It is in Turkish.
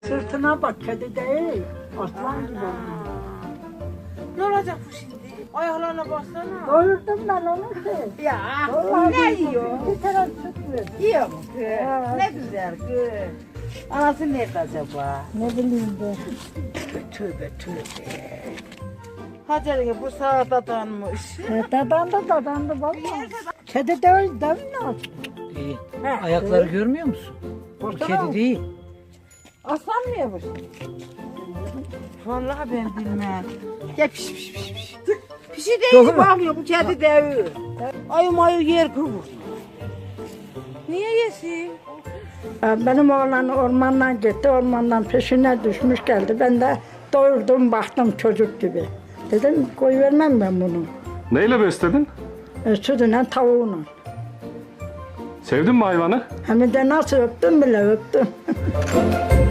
Sırtına bak, kedi değil. Aslan gibi olmuş. Ne olacak bu şimdi? Ayaklarına baksana. Doyurdum ben onu ki. Ya Vallahi ne bir- yiyor? Bir tane süt ver. Yiyor mu kız? Evet. Ne güzel kız. Anası nerede acaba? Ne bileyim ben. Tövbe tövbe. Hacer'e bu sağda donmuş. Dadandı valla. Kedi değil, değil mi? İyi. He, Ayakları evet. görmüyor musun? Bu Baksana. kedi değil. Aslan mı yapmış? Vallahi ben bilmem. Ya piş. Pişi değil Doğru mu? bakmıyor bu kedi devi. Ayı mayı yer kıvır. Niye yesin? Benim oğlan ormandan gitti, ormandan peşine düşmüş geldi. Ben de doyurdum, baktım çocuk gibi. Dedim koy vermem ben bunu. Neyle besledin? Sütüne, tavuğuna. Sevdin mi hayvanı? Hem de nasıl öptüm bile öptüm.